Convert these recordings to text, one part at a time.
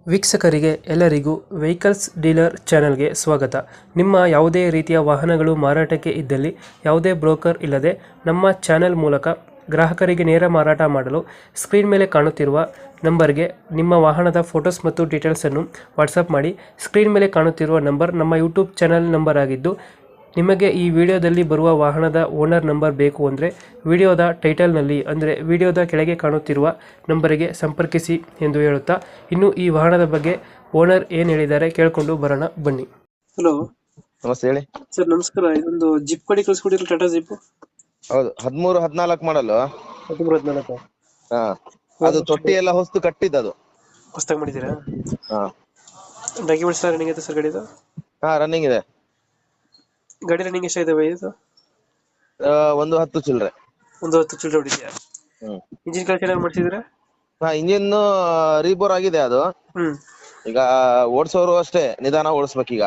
ವೀಕ್ಷಕರಿಗೆ ಎಲ್ಲರಿಗೂ vehicles dealer ಚಾನೆಲ್ಗೆ ಸ್ವಾಗತ. ನಿಮ್ಮ ಯಾವುದೇ ರೀತಿಯ ವಾಹನಗಳು ಮಾರಾಟಕ್ಕೆ ಇದ್ದಲ್ಲಿ ಯಾವುದೇ ಬ್ರೋಕರ್ ಇಲ್ಲದೆ ನಮ್ಮ ಚಾನೆಲ್ ಮೂಲಕ ಗ್ರಾಹಕರಿಗೆ ನೇರ ಮಾರಾಟ ಮಾಡಲು ಸ್ಕ್ರೀನ್ ಮೇಲೆ ಕಾಣುತ್ತಿರುವ ನಂಬರ್ಗೆ ನಿಮ್ಮ ವಾಹನದ ಫೋಟೋಸ್ ಮತ್ತು ಡೀಟೇಲ್ಸನ್ನು ವಾಟ್ಸಪ್ ಮಾಡಿ. ಸ್ಕ್ರೀನ್ ಮೇಲೆ ಕಾಣುತ್ತಿರುವ ನಂಬರ್ ನಮ್ಮ ಯೂಟ್ಯೂಬ್ ಚಾನೆಲ್ ನಂಬರ್ ಆಗಿದ್ದು, ನಿಮಗೆ ಈ ವಿಡಿಯೋದಲ್ಲಿ ಬರುವ ವಾಹನದ ಓನರ್ ನಂಬರ್ ಬೇಕು ಅಂದರೆ ವಿಡಿಯೋದ ಟೈಟಲ್ನಲ್ಲಿ ಅಂದರೆ ವಿಡಿಯೋದ ಕೆಳಗೆ ಕಾಣುತ್ತಿರುವ ನಂಬರಿಗೆ ಸಂಪರ್ಕಿಸಿ ಎಂದು ಹೇಳುತ್ತಾ, ಇನ್ನು ಈ ವಾಹನದ ಬಗ್ಗೆ ಓನರ್ ಏನು ಹೇಳಿದ್ದಾರೆ ಕೇಳಿಕೊಂಡು ಬರೋಣ ಬನ್ನಿ. ಹಲೋ ನಮಸ್ತೆ ಹೇಳಿ ಸರ್. ನಮಸ್ಕಾರ. ಇದೊಂದು ಜಿಪ್ ಗಾಡಿ ಕಳಿಸ್ಕೊಡಿರಲ್ಲ, ಟಾಟಾ ಜಿಪ್. ಹೌದು 13-14 ಮಾಡಲು. 14 ಹಾ, ಅದು ತೊಟ್ಟಿ ಎಲ್ಲ ಹೊಸ್ತು ಕಟ್ಟಿದ್ದು. ಹೊಸ್ದಾಗಿ ಮಾಡಿದ್ದೀರಾ? ಹಾ ಡಾಕ್ಯುಮೆಂಟ್ಸ್ ರನ್ನಿಂಗ್ ಐತೆ ಸರ್ ಗಾಡಿದು? ಹಾ, ರನ್ನಿಂಗ್ ಇದೆ. ಗಾಡಿ ರನ್ನಿಂಗ್ ಎಷ್ಟಾಗಿದಾವೆ ಇದು? ಒಂದು 10 ಚಿಲ್ಲರೆ. ಒಂದು 10 ಚಿಲ್ಲರೆ ಹೊಡಿದ್ಯಾ? ಇಂಜಿನ್ ಕೆಲಸ ಏನಾದ್ರು ಮಾಡ್ತಿದ್ದೀರಾ? ಹಾ, ಇಂಜಿನ್ ರೀಬೋರ್ ಆಗಿದೆ ಅದು. ಈಗ ಓಡಿಸೋರು ಅಷ್ಟೇ ನಿಧಾನ ಓಡಿಸ್ಬೇಕೀಗ,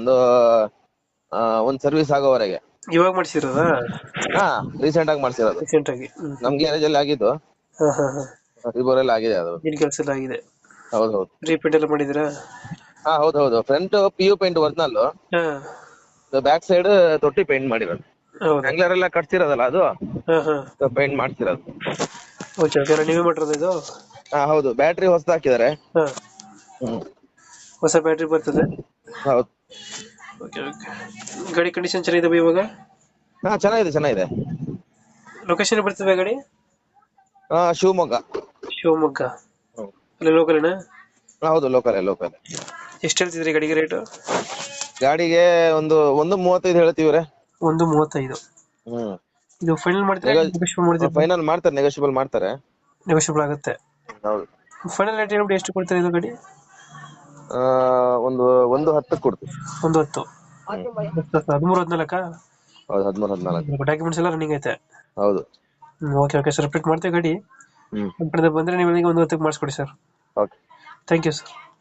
ಒಂದ್ ಸರ್ವಿಸ್ ಆಗೋವರೆಗೆ. ಇವಾಗ ಮಾಡಿಸಿರೋದಾ? ಹಾ, ರೀಸೆಂಟ್ ಆಗಿ ಮಾಡ್ಸಿರೋದು. ರೀಸೆಂಟ್ ಆಗಿ ನಮ್ ಗ್ಯಾರೇಜ್ ಅಲ್ಲಿ ಆಗಿದ್ದು. ರೀಬೋರ್ ಎಲ್ಲ ಆಗಿದೆ ಅದು. ಇಂಜಿನ್ ಕೆಲಸ ಎಲ್ಲ ಆಗಿದೆ? ಹೌದೌದು. ರೀಪೇಂಟ್ ಎಲ್ಲ ಮಾಡಿದಿರಾ? ಹಾ, ಹೌದೌದು. Front PU paint original, back side ತೊಟ್ಟಿ ಪೇಂಟ್ ಮಾಡಿರೋದು. ಆಂಗ್ಲರ್ ಎಲ್ಲ ಕಟ್ಸಿರೋದಲ್ಲ ಅದು, ಪೇಂಟ್ ಮಾಡ್ತಿರೋದು. ನೀವೇ ಮಾಡಿರೋದು ಇದು? ಹಾ, ಹೌದು. ಬ್ಯಾಟ್ರಿ ಹೊಸದು ಹಾಕಿದ್ದಾರೆ. ಹೊಸ ಬ್ಯಾಟ್ರಿ ಬರ್ತದೆ? ಹೌದು. ಗಾಡಿ ಕಂಡೀಷನ್ ಚೆನ್ನಾಗಿದೆ ಇವಾಗ? ಹಾ, ಚೆನ್ನಾಗಿದೆ. ಲೊಕೇಶನ್ ಬರ್ತದೆ ಗಾಡಿ? ಶಿವಮೊಗ್ಗ. ಶಿವಮೊಗ್ಗ ಅಲ್ಲಿ ಲೋಕಲ್? ಹೌದು, ಲೋಕಲ್. ಎಷ್ಟು ಹೇಳ್ತಿದ್ರಿ ಗಾಡಿಗೆ ರೇಟ್? ಗಾಡಿಗೆ ಒಂದು 1.35 ಹೇಳ್ತೀವ್ರೆ. 1.35. ಇದು ಫೈನಲ್ ಮಾಡ್ತಾರೆ? ಫೈನಲ್ ಮಾಡ್ತಾರೆ, ನೆಗೋಷಿಯಬಲ್ ಮಾಡ್ತಾರೆ. ನೆಗೋಷಿಯಬಲ್ ಆಗುತ್ತೆ? ಹೌದು. ಫೈನಲ್ ರೇಟ್ ಹೇಳ್ಬಿಟ್ಟು ಎಷ್ಟು ಕೊಡ್ತಾರೆ ಇದು ಗಾಡಿ? ಒಂದು 10 ಕೊಡ್ತೀವಿ. 1.10. 13-14? ಹೌದು, 13-14. ಡಾಕ್ಯುಮೆಂಟ್ಸ್ ಎಲ್ಲ ರನ್ನಿಂಗ್ ಐತೆ? ಹೌದು. ಓಕೆ ಸರ್, ರಿಪೀಟ್ ಮಾಡ್ತೇವೆ ಗಾಡಿ. ನಮ್ಮ ಕಡೆ ಬಂದ್ರೆ ನೀವು 1.10 ಮಾಡಿಸ್ಕೊಡಿ sir. Okay, thank you sir.